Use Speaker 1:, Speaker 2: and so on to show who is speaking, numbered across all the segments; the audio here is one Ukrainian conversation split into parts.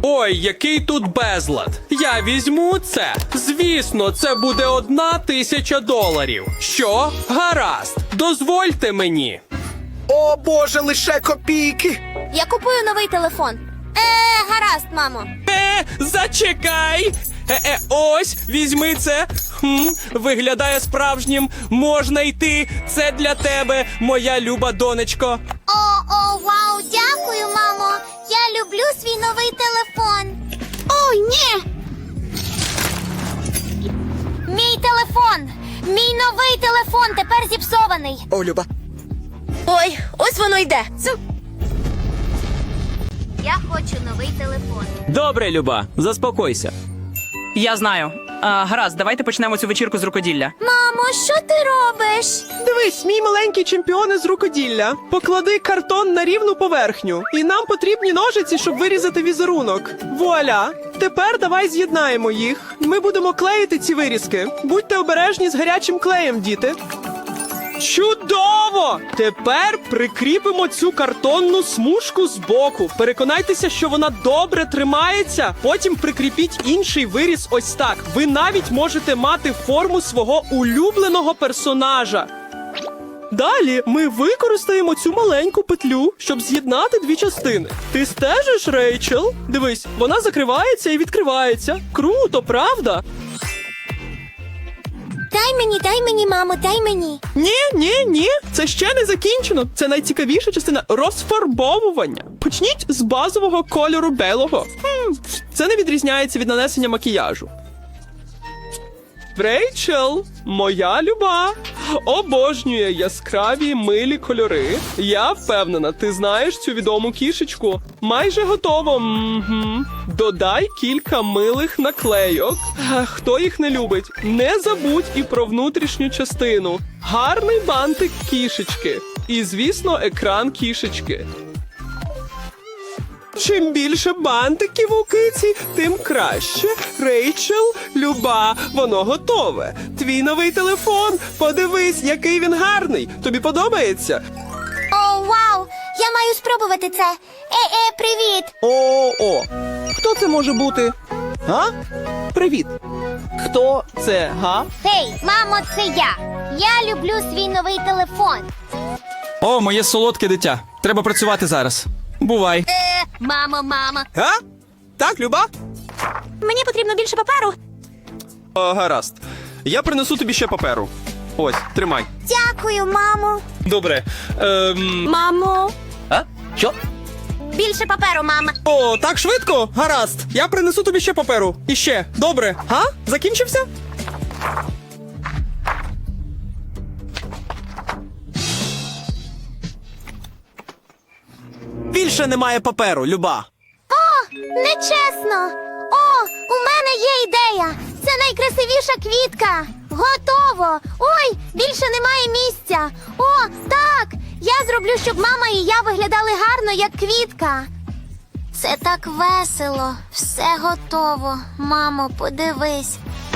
Speaker 1: Ой, який тут безлад. Я візьму це. Звісно, це буде $1000. Що? Гаразд. Дозвольте мені.
Speaker 2: О, Боже, лише копійки.
Speaker 3: Я купую новий телефон. Гаразд, мамо.
Speaker 1: Зачекай. Ось, візьми це. Виглядає справжнім. Можна йти. Це для тебе, моя люба донечко.
Speaker 3: Вау, дякую, мамо. Я люблю свій новий телефон. Ой, ні! Мій телефон! Мій новий телефон тепер зіпсований.
Speaker 2: О, Люба.
Speaker 3: Ой, ось воно йде. Я хочу новий телефон.
Speaker 4: Добре, Люба, заспокойся.
Speaker 5: Я знаю. Гаразд, давайте почнемо цю вечірку з рукоділля.
Speaker 3: Мамо, що ти робиш?
Speaker 6: Дивись, мій маленький чемпіон із рукоділля. Поклади картон на рівну поверхню. І нам потрібні ножиці, щоб вирізати візерунок. Вуаля! Тепер давай з'єднаємо їх. Ми будемо клеїти ці вирізки. Будьте обережні з гарячим клеєм, діти. Чудово! Тепер прикріпимо цю картонну смужку збоку. Переконайтеся, що вона добре тримається. Потім прикріпіть інший виріз ось так. Ви навіть можете мати форму свого улюбленого персонажа. Далі ми використаємо цю маленьку петлю, щоб з'єднати дві частини. Ти стежиш, Рейчел? Дивись, вона закривається і відкривається. Круто, правда?
Speaker 3: Дай мені, мамо, дай мені.
Speaker 6: Ні, це ще не закінчено. Це найцікавіша частина розфарбовування. Почніть з базового кольору белого. Це не відрізняється від нанесення макіяжу. Рейчел, моя люба, обожнює яскраві милі кольори. Я впевнена, ти знаєш цю відому кішечку. Майже готово. Додай кілька милих наклейок. Хто їх не любить? Не забудь і про внутрішню частину. Гарний бантик кішечки. І, звісно, екран кішечки. Чим більше бантиків у киці, тим краще. Рейчел, люба, воно готове. Твій новий телефон. Подивись, який він гарний. Тобі подобається?
Speaker 3: О, вау! Я маю спробувати це. Привіт!
Speaker 6: О. Хто це може бути? Га? Привіт. Хто це, га?
Speaker 3: Гей, мамо, це я. Я люблю свій новий телефон.
Speaker 4: О, моє солодке дитя. Треба працювати зараз. Бувай.
Speaker 3: Мамо.
Speaker 6: Га? Так, люба?
Speaker 3: Мені потрібно більше паперу.
Speaker 6: Гаразд. Я принесу тобі ще паперу. Ось, тримай.
Speaker 3: Дякую, мамо.
Speaker 6: Добре.
Speaker 3: Мамо.
Speaker 4: Що?
Speaker 3: Більше паперу, мама.
Speaker 6: О, так швидко? Гаразд. Я принесу тобі ще паперу. І ще. Добре. Га? Закінчився? Більше немає паперу, люба.
Speaker 3: Нечесно. У мене є ідея. Це найкрасивіша квітка. Готово. Ой, більше немає місця. Так. Я зроблю, щоб мама і я виглядали гарно, як квітка. Це так весело. Все готово. Мамо, подивись.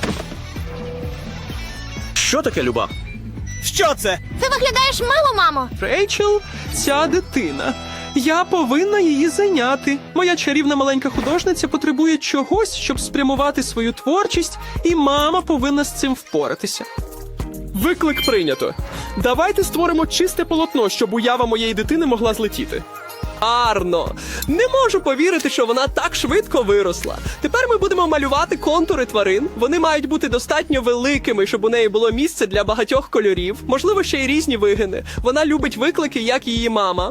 Speaker 4: Що таке, Люба?
Speaker 6: Що це?
Speaker 3: Ти виглядаєш мило, мамо.
Speaker 6: Рейчел, ця дитина. Я повинна її зайняти. Моя чарівна маленька художниця потребує чогось, щоб спрямувати свою творчість, і мама повинна з цим впоратися. Виклик прийнято. Давайте створимо чисте полотно, щоб уява моєї дитини могла злетіти. Арно! Не можу повірити, що вона так швидко виросла. Тепер ми будемо малювати контури тварин. Вони мають бути достатньо великими, щоб у неї було місце для багатьох кольорів. Можливо, ще й різні вигини. Вона любить виклики, як її мама.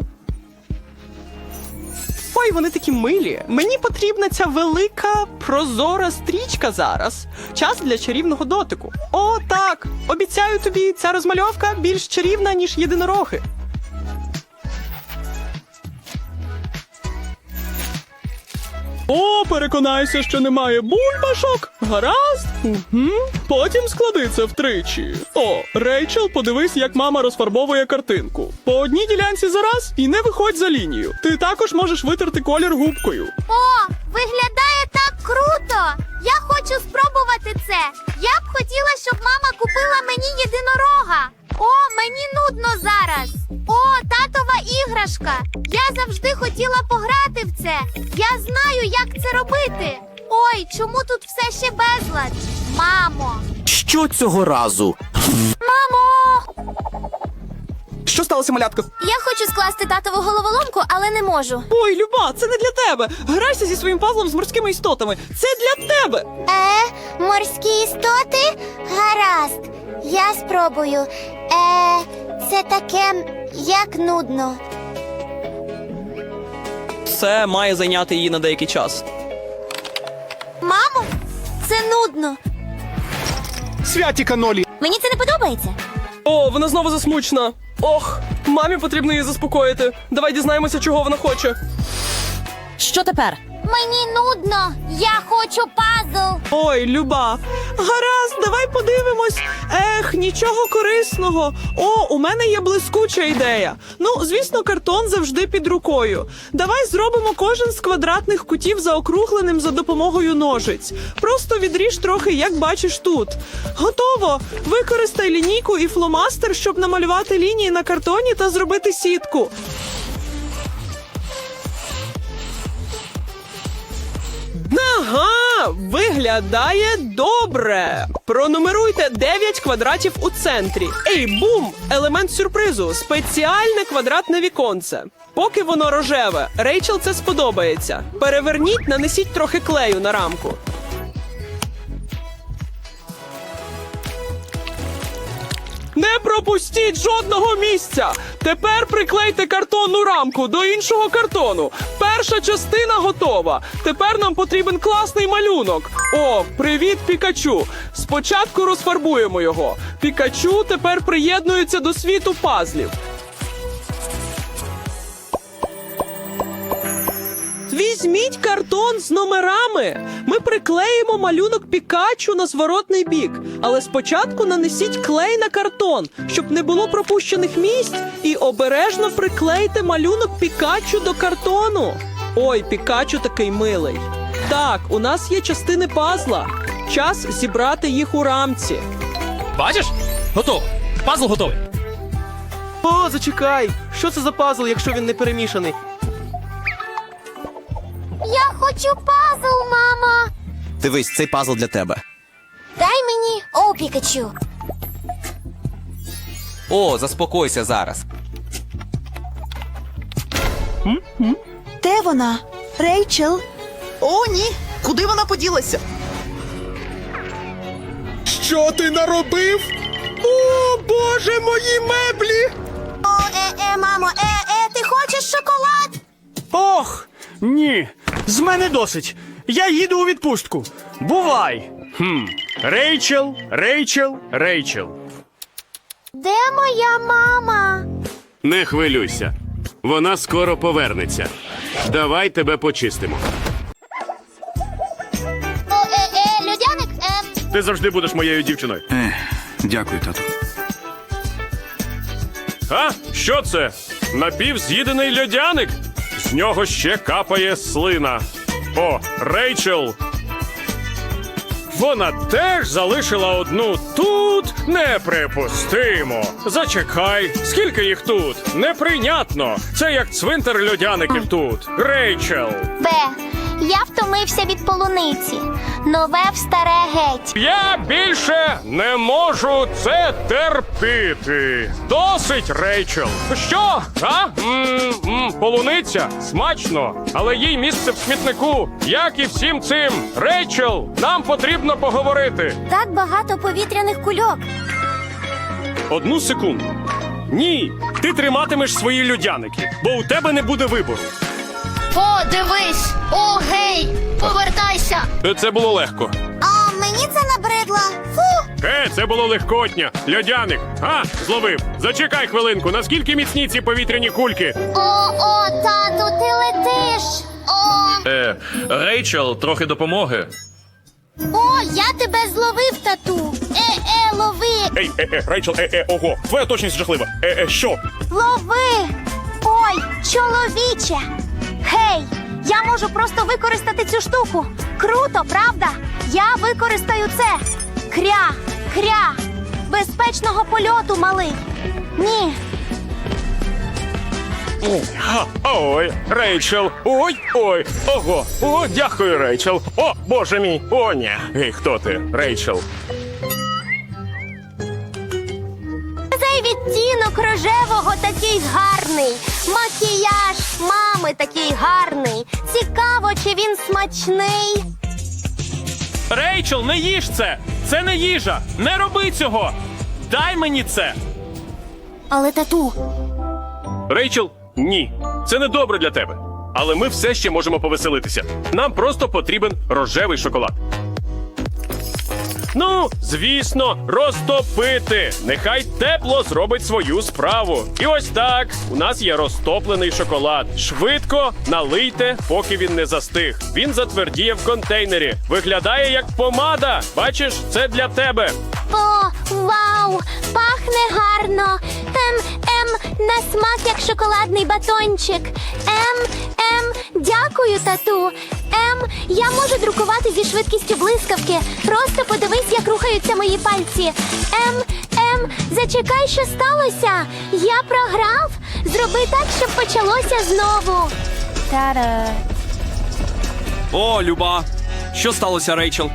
Speaker 6: Ой, вони такі милі. Мені потрібна ця велика прозора стрічка зараз. Час для чарівного дотику. О, так! Обіцяю тобі, ця розмальовка більш чарівна, ніж єдинороги. О, переконайся, що немає бульбашок. Гаразд? Потім склади це втричі. О, Рейчел, подивись, як мама розфарбовує картинку. По одній ділянці за раз і не виходь за лінію. Ти також можеш витерти колір губкою.
Speaker 3: Виглядає так круто. Я хочу спробувати це. Я б хотіла, щоб мама купила мені єдинорога. О, мені нудно зараз. О, татова іграшка. Я завжди хотіла пограти в це. Я знаю, як це робити. Ой, чому тут все ще безлад? Мамо.
Speaker 2: Що цього разу?
Speaker 3: Мамо!
Speaker 2: Що сталося, малятко?
Speaker 3: Я хочу скласти татову головоломку, але не можу.
Speaker 5: Ой, Люба, це не для тебе. Грайся зі своїм пазлом з морськими істотами. Це для тебе.
Speaker 3: Морські істоти? Гаразд. Я спробую. Це таке, як нудно.
Speaker 5: Це має зайняти її на деякий час.
Speaker 3: Мамо, це нудно.
Speaker 2: Святі канолі.
Speaker 3: Мені це не подобається.
Speaker 1: О, вона знову засмучена. Ох, мамі потрібно її заспокоїти. Давай дізнаємося, чого вона хоче.
Speaker 5: Що тепер?
Speaker 3: Мені нудно. Я хочу пазл.
Speaker 5: Ой, Люба. Гаразд, давай подивимось. Нічого корисного. О, у мене є блискуча ідея. Ну, звісно, картон завжди під рукою. Давай зробимо кожен з квадратних кутів заокругленим за допомогою ножиць. Просто відріж трохи, як бачиш тут. Готово! Використай лінійку і фломастер, щоб намалювати лінії на картоні та зробити сітку. Ага, виглядає добре. Пронумеруйте 9 квадратів у центрі. Ей, бум! Елемент сюрпризу. Спеціальне квадратне віконце. Поки воно рожеве, Рейчел це сподобається. Переверніть, нанесіть трохи клею на рамку. Не пропустіть жодного місця! Тепер приклейте картонну рамку до іншого картону. Перша частина готова. Тепер нам потрібен класний малюнок. О, привіт, Пікачу! Спочатку розфарбуємо його. Пікачу тепер приєднується до світу пазлів. Візьміть картон з номерами. Ми приклеїмо малюнок Пікачу на зворотний бік. Але спочатку нанесіть клей на картон, щоб не було пропущених місць, і обережно приклейте малюнок Пікачу до картону. Ой, Пікачу такий милий. Так, у нас є частини пазла. Час зібрати їх у рамці.
Speaker 1: Бачиш? Готово. Пазл готовий.
Speaker 6: О, зачекай. Що це за пазл, якщо він не перемішаний?
Speaker 3: Я хочу пазл, мама.
Speaker 2: Дивись, цей пазл для тебе.
Speaker 3: Дай мені. О, Пікачу.
Speaker 2: О, заспокойся зараз.
Speaker 7: Де вона? Рейчел? О, ні! Куди вона поділася?
Speaker 2: Що ти наробив? О, Боже, мої меблі!
Speaker 3: О, мамо, ти хочеш шоколад?
Speaker 8: Ох, ні, з мене досить. Я їду у відпустку. Бувай. Рейчел, Рейчел, Рейчел.
Speaker 3: Де моя мама?
Speaker 9: Не хвилюйся. Вона скоро повернеться. Давай тебе почистимо.
Speaker 3: О, людяник,
Speaker 9: Ти завжди будеш моєю дівчиною.
Speaker 8: Дякую, тату.
Speaker 9: А? Що це? Напівз'їдений льодяник? З нього ще капає слина. О, Рейчел! Вона теж залишила одну тут? Неприпустимо. Зачекай, скільки їх тут? Неприйнятно. Це як цвинтар льодяників тут. Рейчел!
Speaker 3: Б. Я втомився від полуниці. Нове в старе геть.
Speaker 9: Я більше не можу це терпіти. Досить, Рейчел. Що? А? Полуниця? Смачно. Але їй місце в смітнику. Як і всім цим. Рейчел, нам потрібно поговорити.
Speaker 3: Так багато повітряних кульок.
Speaker 9: Одну секунду. Ні, ти триматимеш свої льодяники, бо у тебе не буде вибору.
Speaker 3: О, дивись! О, гей! Повертайся!
Speaker 9: Це було легко.
Speaker 3: А мені це набридло. Фу!
Speaker 9: Це було легкотня. Льодяник. Зловив. Зачекай хвилинку. Наскільки міцні ці повітряні кульки?
Speaker 3: О, тату, ти летиш! О!
Speaker 9: Рейчел, трохи допомоги.
Speaker 3: О, я тебе зловив, тату! Лови!
Speaker 9: Рейчел, ого. Твоя точність жахлива. Що?
Speaker 3: Лови! Ой, чоловіче! Гей! Я можу просто використати цю штуку. Круто, правда? Я використаю це. Кря! Безпечного польоту, малий. Ні.
Speaker 9: Ой, Рейчел. Ой, ого. О, дякую, Рейчел. О, боже мій. О, ні. Гей, хто ти, Рейчел?
Speaker 3: Цей відтінок рожевого такий гарний. Макіяж мами такий гарний. Цікаво, чи він смачний.
Speaker 6: Рейчел, не їж це! Це не їжа! Не роби цього! Дай мені це!
Speaker 3: Але тату,
Speaker 9: Рейчел, ні. Це не добре для тебе. Але ми все ще можемо повеселитися. Нам просто потрібен рожевий шоколад. Ну, звісно, розтопити. Нехай тепло зробить свою справу. І ось так. У нас є розтоплений шоколад. Швидко налийте, поки він не застиг. Він затвердіє в контейнері. Виглядає як помада. Бачиш, це для тебе.
Speaker 3: о, вау, пахне гарно. На смак як шоколадний батончик. Дякую, тату. Я можу друкувати зі швидкістю блискавки. Просто подивись, як рухаються мої пальці. Зачекай, що сталося. Я програв. Зроби так, щоб почалося знову. Та-да.
Speaker 4: О, Люба! Що сталося, Рейчел?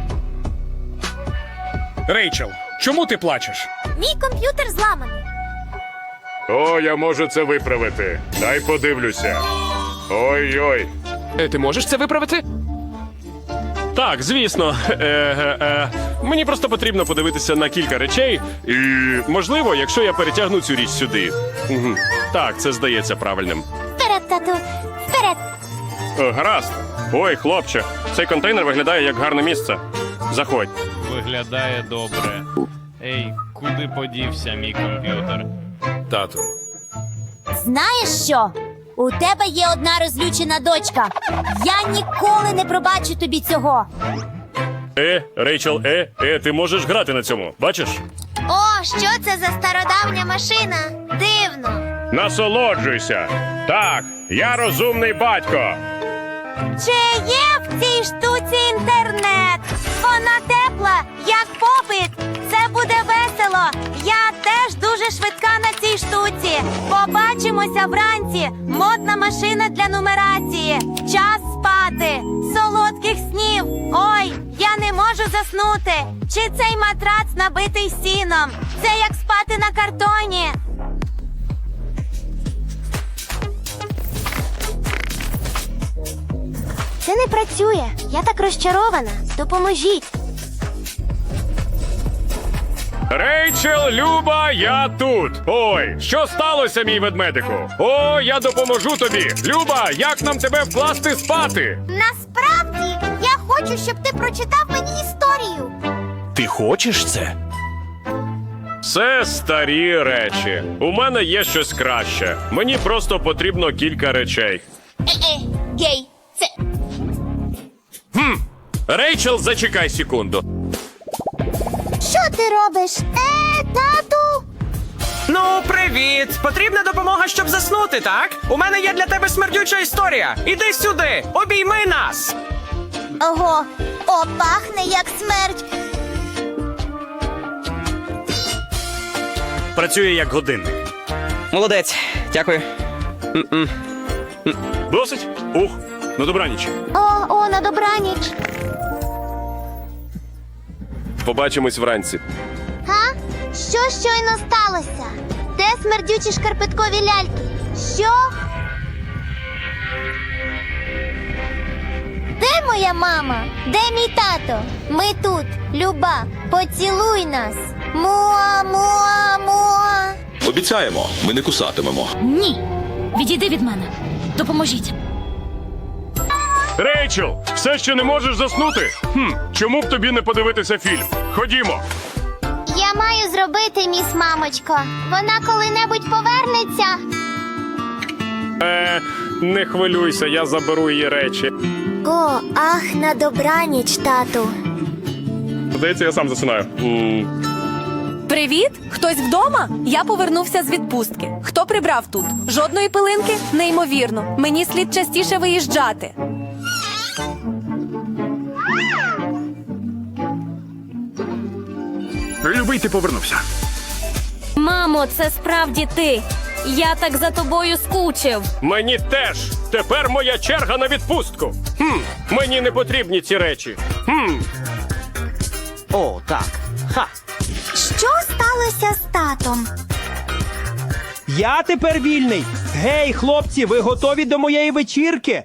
Speaker 9: Рейчел, чому ти плачеш?
Speaker 3: Мій комп'ютер зламаний.
Speaker 9: О, я можу це виправити. Дай подивлюся. Ой-ой.
Speaker 1: Ти можеш це виправити?
Speaker 9: Так, звісно. Мені просто потрібно подивитися на кілька речей. І, можливо, якщо я перетягну цю річ сюди. Угу. Так, це здається правильним.
Speaker 3: Вперед, тату. Вперед.
Speaker 9: Гаразд. Ой, хлопче, цей контейнер виглядає як гарне місце. Заходь.
Speaker 10: Виглядає добре. Ей, куди подівся мій комп'ютер?
Speaker 9: Тату.
Speaker 3: Знаєш що? У тебе є одна розлючена дочка. Я ніколи не пробачу тобі цього.
Speaker 9: Рейчел, ти можеш грати на цьому, бачиш?
Speaker 3: О, що це за стародавня машина? Дивно.
Speaker 9: Насолоджуйся. Так, я розумний батько.
Speaker 3: Чи є в цій штуці інтернет? Вона тепла, як попит. Це буде весело. Я теж дуже швидка на цій штуці. Побачимося вранці. Модна машина для нумерації. Час спати. Солодких снів. Ой, я не можу заснути. Чи цей матрац набитий сіном? Це як спати на картоні. Це не працює. Я так розчарована. Допоможіть.
Speaker 9: Рейчел, Люба, я тут. Ой, що сталося, мій ведмедику? О, я допоможу тобі. Люба, як нам тебе вкласти спати?
Speaker 3: Насправді, я хочу, щоб ти прочитав мені історію.
Speaker 9: Ти хочеш це? Це старі речі. У мене є щось краще. Мені просто потрібно кілька речей.
Speaker 3: Гей, це...
Speaker 9: Рейчел, зачекай секунду.
Speaker 3: Що ти робиш? Тату?
Speaker 6: Ну, привіт! Потрібна допомога, щоб заснути, так? У мене є для тебе смердюча історія. Іди сюди, обійми нас!
Speaker 3: Ого, пахне як смерть.
Speaker 8: Працює як годинник.
Speaker 4: Молодець, дякую.
Speaker 9: Досить? Ух, на добраніч.
Speaker 3: О, на добраніч.
Speaker 9: Побачимось вранці.
Speaker 3: Га? Що щойно сталося? Де смердючі шкарпеткові ляльки? Що? Де моя мама? Де мій тато? Ми тут. Люба, поцілуй нас. Муа, муа, муа.
Speaker 11: Обіцяємо, ми не кусатимемо.
Speaker 3: Ні. Відійди від мене. Допоможіть.
Speaker 9: Рейчел, все ще не можеш заснути? Чому б тобі не подивитися фільм? Ходімо.
Speaker 3: Я маю зробити, міс мамочко. Вона коли-небудь повернеться.
Speaker 9: Не хвилюйся, я заберу її речі.
Speaker 3: О, ах, на добраніч, тату.
Speaker 9: Здається, я сам засинаю.
Speaker 12: Привіт! Хтось вдома? Я повернувся з відпустки. Хто прибрав тут? Жодної пилинки? Неймовірно. Мені слід частіше виїжджати.
Speaker 8: Любий, ти повернувся.
Speaker 12: Мамо, це справді ти. Я так за тобою скучив.
Speaker 9: Мені теж. Тепер моя черга на відпустку. Мені не потрібні ці речі.
Speaker 2: О, так. Ха.
Speaker 3: Що сталося з татом?
Speaker 6: Я тепер вільний. Гей, хлопці, ви готові до моєї вечірки?